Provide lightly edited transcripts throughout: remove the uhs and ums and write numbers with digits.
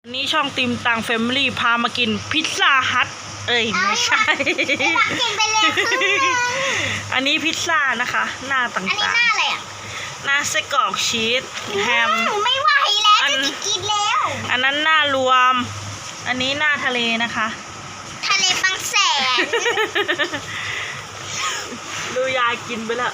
วันนี้ช่องติมตังแฟมิลี่พามากินพิซซ่าฮัทไม่ใช่กินไปเลยครึ่งนึงอันนี้พิซซ่านะคะหน้าต่างๆอันนี้หน้าอะไรอ่ะหน้าไส้กรอกชีสแฮมไม่ไหวแล้วจะกินแล้วอันนั้นหน้ารวม อันนี้หน้าทะเลนะคะทะเลบางแสนดูยายกินไปแล้ว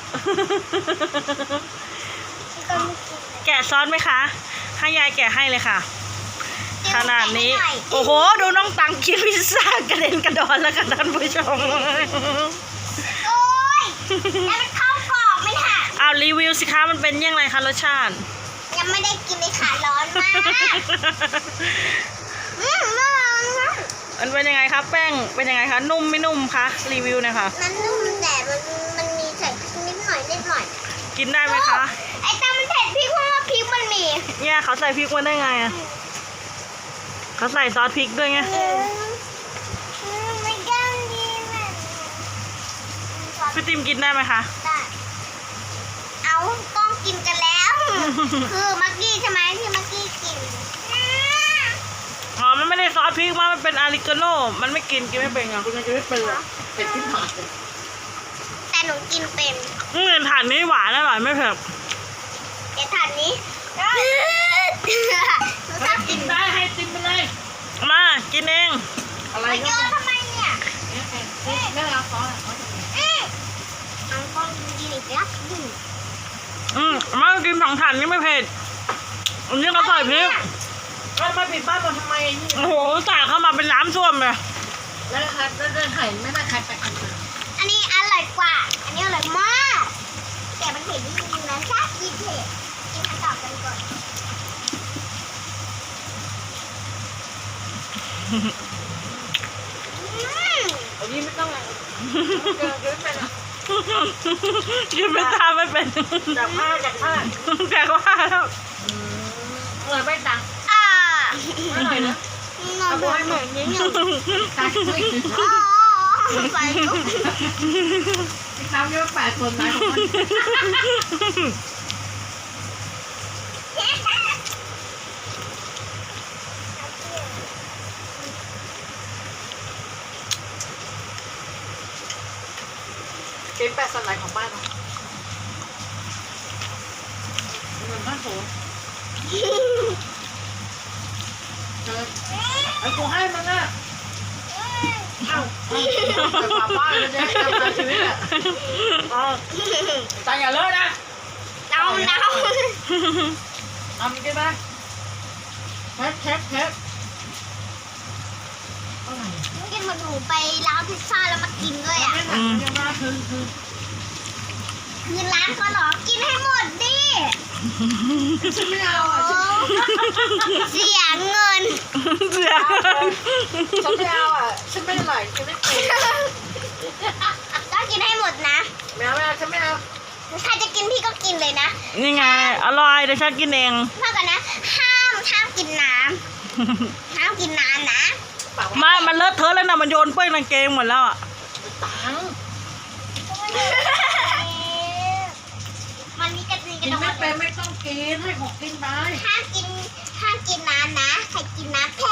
แกะซอสไหมคะให้ยายแกะให้เลยค่ะขนาดนี้โอ้โหดูน้องตังกินพิซซ่ากระเด็นกระดอนแล้วค่ะท่านผู้ชมโอ้ยแล้วมันเข้ากรอบไหมค่ะเอารีวิวสิคะมันเป็นยังไงคะรสชาติยังไม่ได้กินเลยค่ะร้อนมากร้อนมากมันเป็นยังไงคะแป้งเป็นยังไงคะนุ่มไม่นุ่มคะรีวิวหนะคะมันนุ่มแต่มันมีใส่พริกนิดหน่อยกินได้ไหมคะไอ้ตามันเผ็ดพริกเพราะว่าพริกมันมีเนี่ยเขาใส่พริกมาได้ไงอ่ะเขาใส่ซอสพริกด้วยไงไม่ได้ดีเลยพี่ติมกินได้ไหมคะได้เอากล้องกินกันแล้ว คือมักกี้ใช่ไหมที่มักกี้กินอ๋อมันไม่ได้ซอสพริกมันเป็นอาริกาโน่มันไม่กินไม่เป็นอ่ะคุณยังจะไม่เป็นอ่ะเป็นที่ผ่านเลยแต่หนูกินเป็นถ่านนี้หวานอร่อยไม่เผ็ดเดี๋ยวถาดนี้หนูชอบกินได้ให้ติมไปเลยมากินเองอะไรมาโยก็นทำไมเนี่ยไม่เอาซอสเอากล้องกินอีกแล้วมากิน2 ถ่านนี่ไม่เผ็ดอันนี้เขาใส่พริกแล้วมาปิดบ้านเราทำไมนี่โอ้โหสาดเข้ามาเป็นน้ำส้วมเลยแล้วครับแล้วเดินไห่ไม่น่าใครไปกันเลยอันนี้อร่อยกว่า อันนี้อร่อยมากแต่มันเผ็ดนิดนึงนะชอบกินเผ็ดกินอันต่อกันก่อนอันนี้ไม่ต้องเกินไม่เป็นอ่ะกินไม่ทานไม่เป็นจากผ้าแกก็ว่าแล้วเลยไม่ดังอ่าอร่อยนะนอนด้วยเหมือนนิดนึงตายไม่อ๋อไปลุกทำเยอะ8 คนไหนของมันเป็น8 ส่วนไหนของบ้านเราเหมือนบ้านโถไอ้กูให้มันอ่ะเอ้าไปฝากบ้านเลยเนี่ยทำงานชีวิตอ่ะใจอย่าเลอะนะเอาทำกินไหมเทปอะไรกินเหมือนหนูไปร้านพิซซ่าแล้วมากินด้วยอ่ะยังมาคือคือร้านก็หรอกินให้หมดดิฉันไม่เอาอ่ะโอ้เสียเงินเสียฉันไม่เอาอ่ะฉันไม่ไหลฉันไม่เป็นต้องกินให้หมดนะไม่เอาฉันไม่เอาใครจะกินพี่ก็กินเลยนะนี่ไงอร่อยเดี๋ยวฉันกินเองเท่ากันนะ ห้ามกินน้ำห้ามกินน้ำนะมันเลอะเทอะแล้วนะมันโยนเป้ยกางเกงหมดแล้วอ่ะตังมันมีกระดิ่งกกิระนดองไม่เป็นไม่ต้องกินให้ของกินไปห้ามกินน้ำนะใครกินน้ำแพ้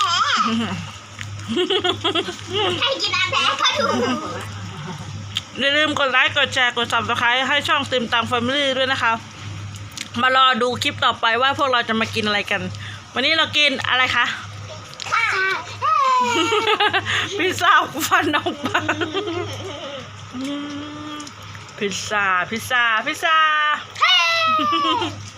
ใครกินน้ำแพ้ก็ถูกอย่าลืมกดไลค์กดแชร์กด Subscribe ให้ช่องติมตังแฟมิลี่ด้วยนะคะมารอดูคลิปต่อไปว่าพวกเราจะมากินอะไรกัน วันนี้เรากินอะไรคะ พิซซ่าฟันออกมาพิซซ่า